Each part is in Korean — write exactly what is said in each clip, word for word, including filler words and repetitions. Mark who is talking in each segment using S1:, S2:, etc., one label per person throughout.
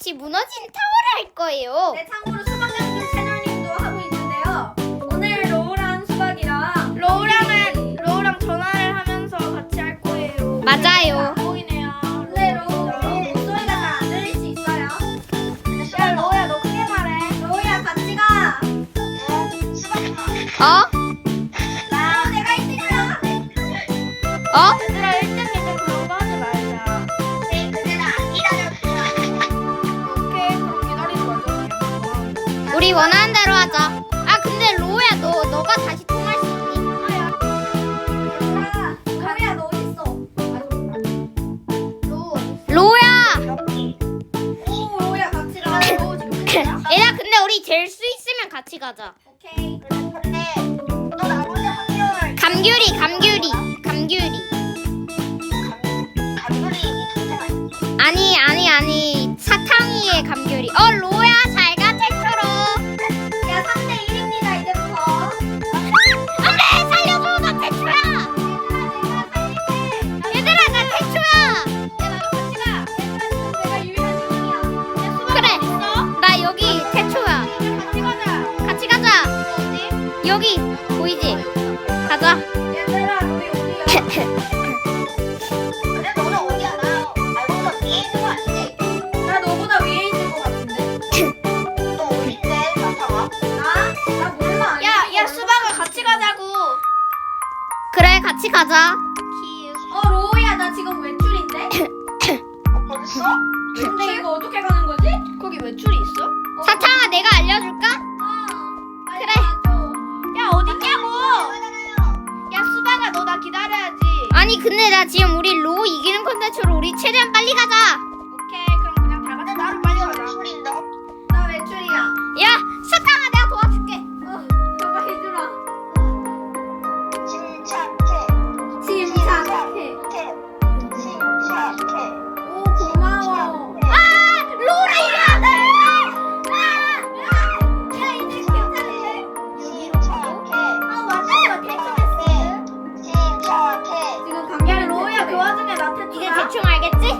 S1: 다시 무너진 타워를 할 거예요.
S2: 네, 참고로 수박장님 채널님도 하고 있는데요. 오늘 로우랑 수박이랑
S3: 로우랑은 로우랑 전화를 하면서 같이 할 거예요.
S1: 맞아요.
S3: 안 보이네요.
S2: 네, 로우, 로우 목소리가 잘 안 들릴 수 있어요.
S3: 야 로우야 너 크게 말해.
S2: 로우야 같이 가.
S1: 어?
S2: 나 내가 일 등이야.
S1: 어?
S3: 얘들아 일 등 이 등 그런 거 하지 말자. 오케이 그럼 기다리지 말자.
S1: 우리 원하는 대로 하자. 아 근데 로우야 너 너가 다시 통할 수 있니?
S2: 얘들아, 로우야 너 어디 있어? 로우.
S1: 로우야.
S2: 오, 로우야 같이 가. 로우 지금 끝이야?
S1: 얘들아 근데 우리 될 수 있으면 같이 가자.
S2: 오케이.
S1: 감귤이 감귤이 감귤이. 아니 아니 아니 사탕이의 감귤이. 어 로우야 잘가 태초로.
S2: 야, 삼 대 일입니다 이제부터.
S1: 안돼 살려줘 나 태초야. 얘들아 나 태초야.
S2: 내가 유일한 팀이야.
S1: 그래 나 여기 태초야.
S2: 같이 가자.
S1: 같이 가자.
S2: 어디?
S1: 여기 보이지? 가자.
S2: 얘들아, 로이 어디야? 나 너보다 위에 있는 것 같은데? 나? 나 몰라.
S3: 야야 수박아 같이 가자고.
S1: 그래 같이 가자.
S2: 어, 로우야, 나 지금 외출인데? 근데 이거 어떻게 가는 거지?
S3: 거기 외출이 있어?
S2: 어,
S1: 사탕아 내가 알려줄까?
S2: 어, 빨리
S1: 그래.
S2: 가줘.
S3: 야 어딨냐고. 야 수박아 너 나 기다려야지.
S1: 아니 근데 나 지금 우리 로우 이기는 콘텐츠로 우리 최대한 빨리 가자.
S3: 오케이 그럼 그냥 다 같이 나로 빨리 가자.
S2: 나 외출이야.
S1: 야 사탕아 내가 도와줄게.
S2: 어, 너가 해주라. 침착해. 오, 고마워.
S1: 아 로우라 이겨.
S2: 야, 이제 괜찮은데? 아, 맞아. 지금 감기.
S3: 야 로우야 그 와중에 나
S1: 이제
S3: 태초야.
S1: 대충 알겠지?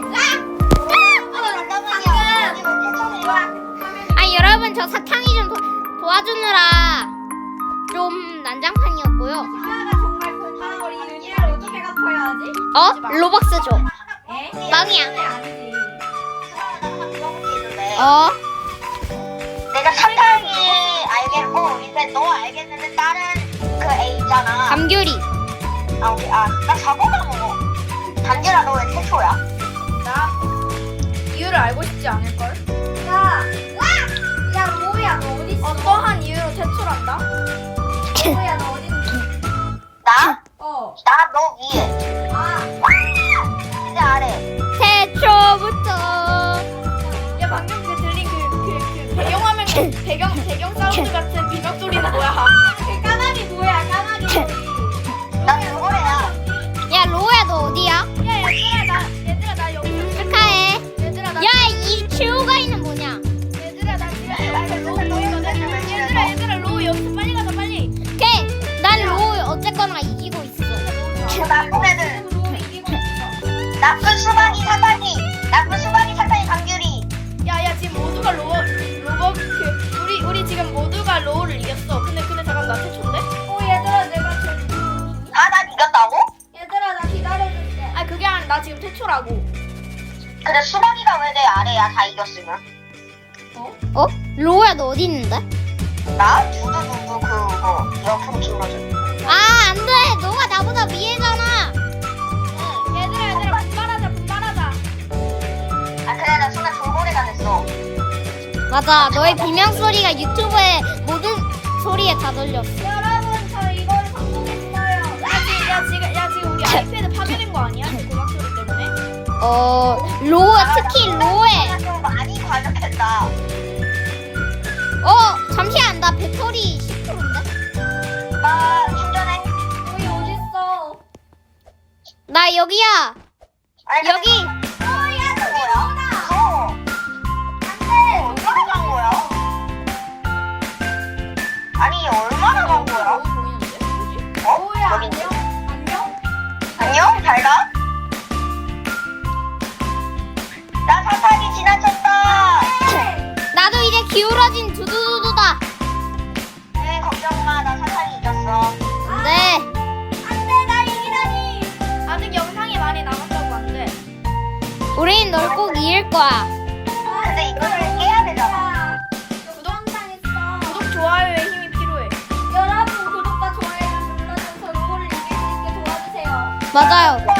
S1: 아 여러분 저 사탕이 좀 도, 도와주느라 좀 난장판이었고요.
S2: 하나가 정말 고마워. 우리 윤희를 어떻게 갚아야 하지?
S1: 어? 로벅스 줘.
S2: 에?
S1: 빵이야.
S2: 아니지.
S1: 어?
S4: 내가 사탕이 알겠고 이제 너 알겠는데 다른 그 애 있잖아.
S1: 감귤이.
S4: 아 우리 아나 사고가 먹어. 단지라 너 왜 태초야?
S3: 나 이유를 알고 싶지 않을 걸.
S2: 야, 야, 로우야, 너 어디 있어?
S3: 어떠한 이유로 퇴출한다?
S2: 로우야, 너 어디 있어?
S4: 나?
S2: 어.
S4: 나 너 위에.
S2: 아,
S4: 이제 아래.
S1: 태초부터.
S3: 야 방금 그 들린 그 그 그 배경화면 배경 배경 사운드 같은 비명 소리는 뭐야?
S2: 그 까마귀 뭐야, 까마귀 소리.
S4: 난 누구래야?
S1: 야 로우야 너 어디야?
S3: 야 얘들아 나 얘들아 나 여기
S1: 축하해.
S3: 얘들아 나
S1: 야 이 큐가이는 뭐냐?
S3: 얘들아 나 지금 여기서 로우 보이거든. 얘들아 얘들아 로우 여기서 빨리 가자 빨리.
S1: 오케이. 난 로우 어쨌거나 이기고 있어.
S4: 그 나쁜 애들.
S2: 로우 이기고 있어.
S4: 나쁜 수박이 사탕이. 나쁜 수박이 사탕이 감귤이.
S3: 야야 지금 모두가 로우 로우 그 우리 우리 지금 모두가 로우를 이겼어. 근데 근데 잠깐 나 태초인데?
S2: 어, 얘들아, 내가 제일
S4: 아난 이겼다고?
S2: 얘들아, 나 기다려줄게.
S3: 아 그게 아니라 나 지금 태초라고.
S4: 근데 수박이가 왜 내 아래야? 다 이겼으면.
S1: 어? 로우야 너 어디 있는데?
S4: 나 두두두두 그거 옆으로 기울어져.
S1: 아 안돼. 너가 나보다 위에잖아.
S3: 얘들아 얘들아 분발하자 분발하자.
S4: 아 그래 나 순간 돌고래가 됐어.
S1: 맞아. 너의 비명 소리가 유튜브에 모든 소리에 다 들렸어.
S2: 여러분, 저 이걸 성공했어요.
S3: 야 지금 야 지금 야 지금 우리 아이패드 파괴된 거 아니야? 그 고막 소리 때문에?
S1: 어 로우 특히 로우에.
S4: 아, 좀 많이 과격했다.
S1: 어 잠시만 나 배터리 십 퍼센트인데?
S4: 나 충전해.
S2: 로이 어딨어?
S1: 나 여기야.
S4: 아니,
S1: 여기.
S4: 어, 야, 너 뭐야? 무서워. 안 돼. 얼마나 간 거야? 아니, 얼마나 간 거야?
S3: 로우 보이는데? 뭐지?
S4: 어?
S2: 로우야,
S4: 여기 있네.
S2: 안녕? 안녕?
S4: 안녕? 잘 가? 나 사탕이 지나쳤다.
S1: 거야.
S4: 근데 이거를 깨야 되잖아.
S2: 구독 당했어.
S3: 구독 좋아요에 힘이 필요해.
S2: 여러분 구독과 좋아요를 눌러줘서 로우를 이길 수 있게 도와주세요.
S1: 맞아요.